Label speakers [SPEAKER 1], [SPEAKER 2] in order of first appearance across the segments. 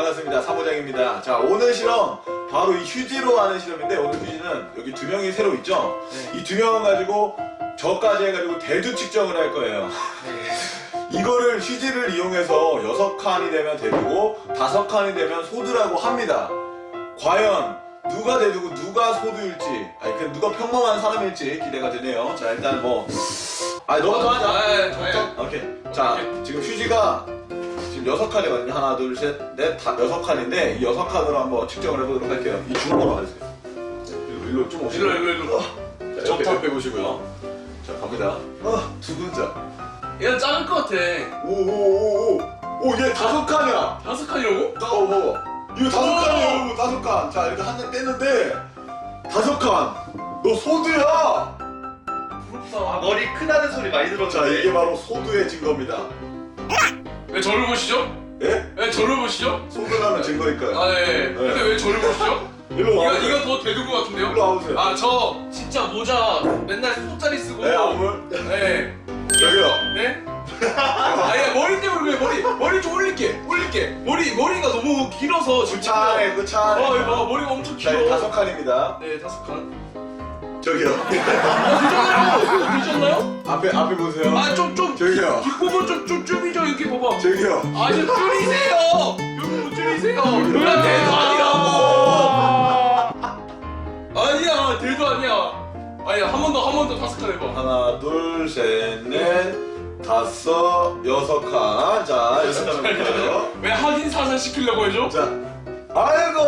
[SPEAKER 1] 반갑습니다. 사무장입니다. 자, 오늘 실험 바로 이 휴지로 하는 실험인데, 오늘 휴지는 여기 두 명이 새로 있죠?
[SPEAKER 2] 네.
[SPEAKER 1] 이 두 명을 가지고 저까지 해가지고 대두 측정을 할 거예요. 이거를 휴지를 이용해서 6칸이 되면 대두고 5칸이 되면 소두라고 합니다. 과연 누가 대두고 누가 소두일지, 아니 그 누가 평범한 사람일지 기대가 되네요. 자, 일단 뭐 너부터 하자. 오케이. 자, 지금 휴지가 지금 6칸이거든요. 하나, 둘, 셋, 넷, 6칸인데 이 6칸으로 한번 측정을 해보도록 할게요. 이 주먹으로 가주세요. 일로 좀 오시고.
[SPEAKER 2] 일로.
[SPEAKER 1] 자, 옆에 보시고요. 자, 갑니다. 두 글자.
[SPEAKER 2] 얘는 작을 것 같아.
[SPEAKER 1] 오, 얘 5칸이야.
[SPEAKER 2] 5칸이라고?
[SPEAKER 1] 이거 5칸이에요, 여러분. 5칸. 자, 이렇게 한 장 뗐는데 5칸. 너 소두야.
[SPEAKER 2] 부럽다.
[SPEAKER 3] 머리 크다는 소리 많이 들었는데.
[SPEAKER 1] 자, 이게 바로 소두의 증거입니다.
[SPEAKER 2] 왜 저를 보시죠?
[SPEAKER 1] 예?
[SPEAKER 2] 왜 저를 보시죠?
[SPEAKER 1] 소두라는 증거니까요.
[SPEAKER 2] 아, 예. 근데 왜 저를 보시죠?
[SPEAKER 1] 일로 와.
[SPEAKER 2] 이거 더 대두인 것 같은데요?
[SPEAKER 1] 일로 와보세요.
[SPEAKER 2] 아, 저 진짜 모자 맨날 소짜리 쓰고.
[SPEAKER 1] 네, 아물.
[SPEAKER 2] 네.
[SPEAKER 1] 여기요.
[SPEAKER 2] 네? 아니, 머리 때문에 그래. 머리 좀 올릴게. 머리가 너무 길어서 지금.
[SPEAKER 1] 차례, 그 차례.
[SPEAKER 2] 이거 머리가 엄청
[SPEAKER 1] 자,
[SPEAKER 2] 길어.
[SPEAKER 1] 5칸입니다.
[SPEAKER 2] 네, 5칸.
[SPEAKER 1] 저기요.
[SPEAKER 2] 되셨나요?
[SPEAKER 1] 앞에 보세요.
[SPEAKER 2] 아, 좀
[SPEAKER 1] 저기요.
[SPEAKER 2] 뒷부분 좀 줄이죠. 이렇게 봐봐.
[SPEAKER 1] 저기요.
[SPEAKER 2] 아, 좀 줄이세요. 여기 줄이세요. 그냥 대도 아니라고. 아니야, 대도 아니야. 아니야, 한 번 더 5칸 해봐.
[SPEAKER 1] 하나, 둘, 셋, 넷, 5, 6칸. 자, 6칸 볼게요.
[SPEAKER 2] 왜 확인 사선 시키려고 해줘?
[SPEAKER 1] 자, 아이고.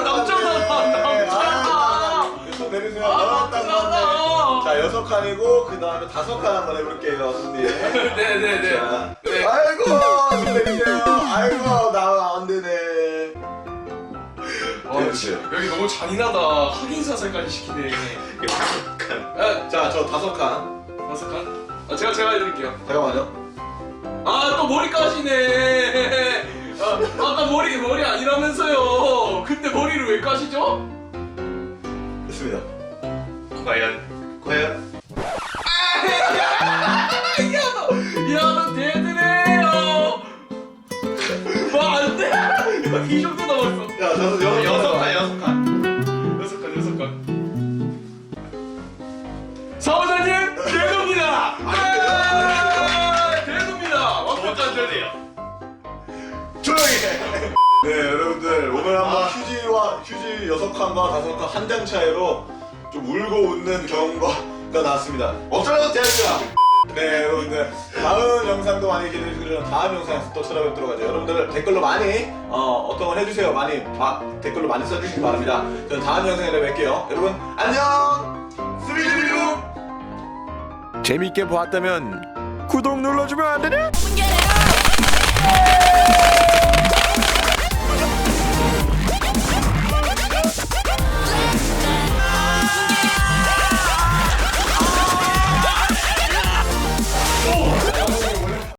[SPEAKER 2] 남자다.
[SPEAKER 1] 손 내리세요.
[SPEAKER 2] 남자다.
[SPEAKER 1] 자, 6칸이고 그 다음에 5칸 한번 해볼게요, 손님.
[SPEAKER 2] 네네네.
[SPEAKER 1] 자,
[SPEAKER 2] 네.
[SPEAKER 1] 아이고, 손 내리세요. 아이고, 나 안 되네. 내리세요.
[SPEAKER 2] 여기 너무 잔인하다. 확인 사선까지 시키네.
[SPEAKER 3] 5칸.
[SPEAKER 1] 자, 저 5칸.
[SPEAKER 2] 5칸? 아, 제가 해드릴게요.
[SPEAKER 1] 잠깐만요.
[SPEAKER 2] 아, 또 머리까지네. 아까 머리 아니라면서요. 근데 머리를 왜 까시죠?
[SPEAKER 1] 됐습니다.
[SPEAKER 3] 과연?
[SPEAKER 2] 야, 너 대드네요. 안 돼. 이 정도 남았어.
[SPEAKER 1] 야, 저도
[SPEAKER 3] 6칸.
[SPEAKER 2] 6칸. 사무장님, 대도입니다. 대도입니다. 완벽한 대도예요.
[SPEAKER 1] 조용히 해. 네, 여러분들 오늘 한번 휴지 6칸과 5칸 한 장 차이로 좀 울고 웃는 경험가 나왔습니다. 어쩌라고 대합니다. 네, 여러분들 다음 영상도 많이 기대해 주시고 다음 영상에서 또 찾아뵙도록 하죠. 여러분들 댓글로 많이 어떤 걸 해주세요. 많이 댓글로 많이 써주시기 바랍니다. 저는 다음 영상에 뵐게요. 여러분 안녕. 스리리리루. 재밌게 보았다면 구독 눌러주면 안 되냐?